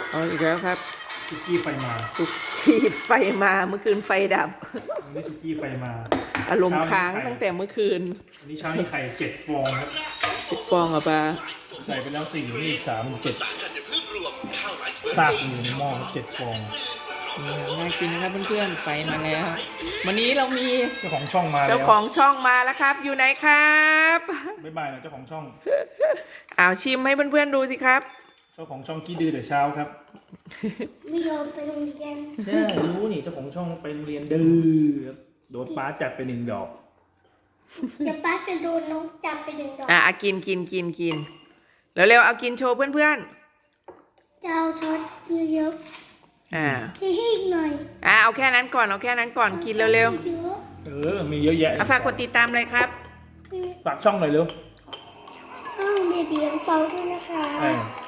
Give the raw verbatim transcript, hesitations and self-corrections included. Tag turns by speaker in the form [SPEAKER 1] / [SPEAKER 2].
[SPEAKER 1] เอาอีกแล้วครับ
[SPEAKER 2] ซุกี้ไฟมา
[SPEAKER 1] สุกี้ไฟมาเมื่อคืนไฟดับ
[SPEAKER 2] วันนี้ซุกี้ไฟมา
[SPEAKER 1] อารมณ์ค้างตั้งแต่เมื่อคืน
[SPEAKER 2] วันนี้เช้านี้ไข่เจ็ดฟองครับ
[SPEAKER 1] ฟองอ่ะปลา
[SPEAKER 2] ใส่ไปแล้วสี่นี่อีกสามเจ็ดซากอยู่ในหม้อเจ็ดฟอง
[SPEAKER 1] น่ากินนะครับเพื่อนๆไฟมาแล้ววันนี้เรามี
[SPEAKER 2] เจ้าของช่องมา
[SPEAKER 1] เจ้าของช่องมาแล้วครับอยู่ไหนครับ
[SPEAKER 2] บ๊ายบายนะเจ้าของช่อง
[SPEAKER 1] อ้าวชิมให้เพื่อนๆดูสิครับ
[SPEAKER 2] เจ้าของช่องขี้ดื้อแต่เช้าครับ
[SPEAKER 3] ไม่ยอมไปโรงเรียน
[SPEAKER 2] ใช่รู้นี่เจ้าของช่องไปโรงเรียนดื้อโดนป้าจัดไปหนึ่งดอก
[SPEAKER 3] เดี๋ยวป้าจะโดนน้องจับไปหนึ่งดอก
[SPEAKER 1] อ่ะกินกินกินกินเร็วๆเอากินโชว์เพื่อน
[SPEAKER 3] ๆจะเอาช็อตเยอะ
[SPEAKER 1] ๆอ่า
[SPEAKER 3] ที่ให้อีกหน่อย
[SPEAKER 1] อ่าเอาแค่นั้นก่อนเอาแค่นั้นก่อนกินเร็ว
[SPEAKER 2] ๆเออมีเยอะแยะ
[SPEAKER 1] ฝากกดติดตามเลยครับ
[SPEAKER 2] ฝากช่องหน่อยเร็ว
[SPEAKER 3] อ้าวเบียร์เบียร์เปาด้วยนะคะ